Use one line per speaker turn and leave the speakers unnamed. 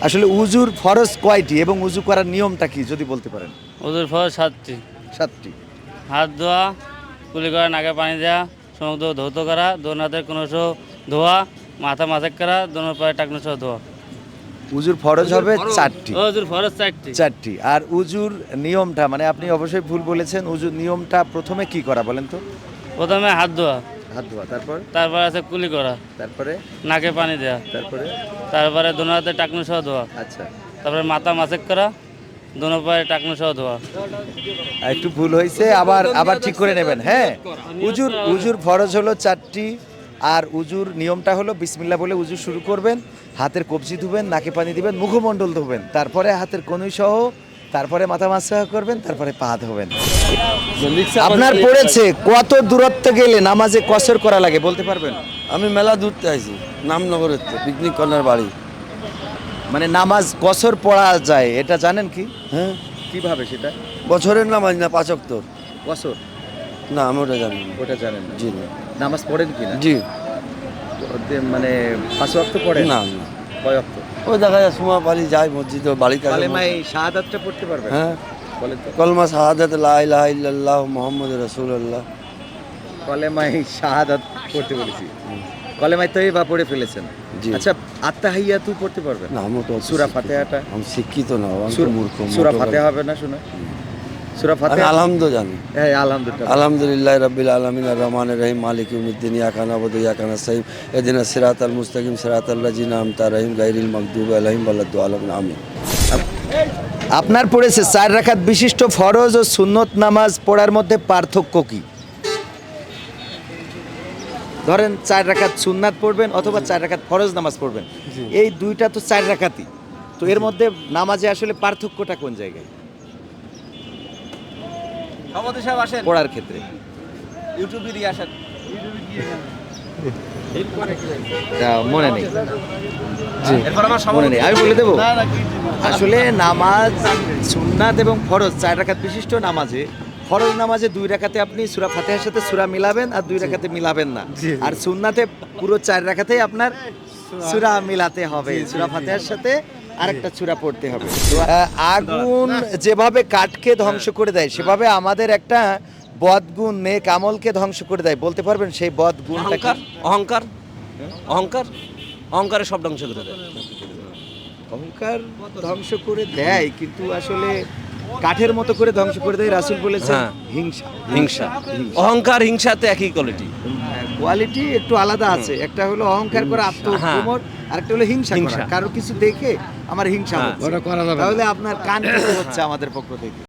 আসলে উজুর ফরজ কয়টি এবং উজু করার নিয়মটা কি যদি বলতে পারেন?
ওদের ফরজ 7টি।
7টি।
হাত ধোয়া, কুলি করা, নাকে পানি দেওয়া, সমুদ্র ধৌত করা, দোনো হাতের কোনো ধোয়া, মাথা মাসাজ করা, দোনো পায়ে টাকনো সহ ধোয়া।
উজুর ফরজ হবে 4টি।
ওদের ফরজ 4টি।
4টি। আর উজুর নিয়মটা মানে আপনি অবশ্যই ভুল বলেছেন। উজুর নিয়মটা প্রথমে কি করা বলেন তো?
প্রথমে হাত ধোয়া,
হাত ধোয়া,
তারপর আছে কুলি করা,
তারপরে
নাকে পানি দেওয়া,
তারপরে
তারপরে দোনো হাতে টাকনো সহ ধোয়া,
আচ্ছা,
তারপরে মাথা মাসাজ করা, দোনো পায়ে টাকনো সহ ধোয়া।
একটু ভুল হয়েছে, আবার আবার ঠিক করে নেবেন। হ্যাঁ, উজুর ফরজ হলো 4টি। আর উজুর নিয়মটা হলো বিসমিল্লাহ বলে উজু শুরু করবেন, হাতের কবজি ধুবেন, নাকে পানি দিবেন, মুখমণ্ডল ধুবেন, তারপরে হাতের কনুই সহ, তারপরে মাথা মাসা করবেন, তারপরে পা ধোবেন। আপনার পড়েছে কত দূরত্ব গেলে নামাজে কসর করা লাগে বলতে পারবেন?
আমি মেলা দূরতে আইছি, নামনগরের পিকনিক কর্নার বাড়ি।
মানে নামাজ কসর পড়া যায় এটা জানেন কি?
হ্যাঁ,
কিভাবে সেটা?
বছরের নামাজ না 5 ওয়াক্ত?
কসর
না, আমি ওটা জানি না।
ওটা জানেন না?
জি না।
নামাজ পড়েন কি না?
জি
মানে 5 ওয়াক্ত পড়েন?
না না,
কয় ওয়াক্ত?
ওই দেখা যায় সময় পালি যায় মসজিদে, বাড়ি কাছে।
কালেমায়ে শাহাদাতটা পড়তে পারবেন?
হ্যাঁ,
বলেন তো।
কলমা শাহাদাত লা ইলাহা ইল্লাল্লাহ মুহাম্মাদুর রাসূলুল্লাহ।
কলেমায়ে শাহাদাত পড়তে বলেছি। কলেমায়ে তয়্যিবা পড়ে ফেলেছেন?
জি।
আচ্ছা, আত্তাহিয়াতু পড়তে পারবেন?
না, আমি তো
সূরা ফাতিহাটা?
আমি শিক্ষিত না, আমি তো মূর্খ।
সূরা ফাতিহা হবে না শোনা? সূরা
আমি
ফাতিহা
আলহামদুলিল্লাহ জানি।
হ্যাঁ, আলহামদুলিল্লাহ।
আলহামদুলিল্লাহ রাব্বিল আলামিন আর রহমানির রহিম মালিক ইয়াউমিদ্দিন ইয়াকা না'বুদু ওয়া ইয়াকা নাস্তাঈন ইহদিনাস সিরাতাল মুস্তাকিম সিরাতাল লাযিনা আন'আমতা আলাইহিম গায়রিল মাগদুবি আলাইহিম ওয়ালাদ-দাল্লিন আমিন।
আপনার পড়েছে 4 রাকাত বিশিষ্ট ফরজ ও সুন্নত নামাজ পড়ার মধ্যে পার্থক্য কি? ধরেন 4 রাকাত সুন্নাত পড়বেন অথবা 4 রাকাত ফরজ নামাজ পড়বেন, এই দুইটা তো 4 রাকাতই, তো এর মধ্যে নামাজে আসলে পার্থক্যটা কোন জায়গায় পড়ার ক্ষেত্রে? তা মনে নেই, মনে নেই, আমি বলে দেবো। আসলে নামাজ সুন্নাত এবং ফরজ 4 রাকাত বিশিষ্ট নামাজে, ফরজ নামাজে 2 রাকাতে আপনি সূরা ফাতিহার সাথে সূরা মিলাবেন আর 2 রাকাতে মিলাবেন না। আর সুন্নাতে পুরো 4 রাকাতেই আপনার সূরা মিলাতে হবে, সূরা ফাতিহার সাথে আরেকটা সূরা পড়তে হবে। আগুন যেভাবে কাঠকে ধ্বংস করে দেয় সেভাবে আমাদের একটা বদগুণ নেক আমলকে ধ্বংস করে দেয়, বলতে পারবেন সেই বদগুণটা কি?
অহংকার, অহংকার, অহংকারের সব ধ্বংস করে দেয়।
অহংকার ধ্বংস করে দেয়, কিন্তু আসলে কাঠের মতো করে ধ্বংস করে দেয়। রাসূল বলেছেন
হ্যাঁ।
হিংসা।
হিংসা, অহংকার, হিংসাতে একই কোয়ালিটি।
কোয়ালিটি একটু আলাদা আছে, একটা হলো অহংকার করা, আত্মপ্রমোদ, আর একটা হলো হিংসা করা, কারো কিছু দেখে আমার হিংসা হচ্ছে, তাহলে আপনার কান হচ্ছে আমাদের পক্ষ থেকে।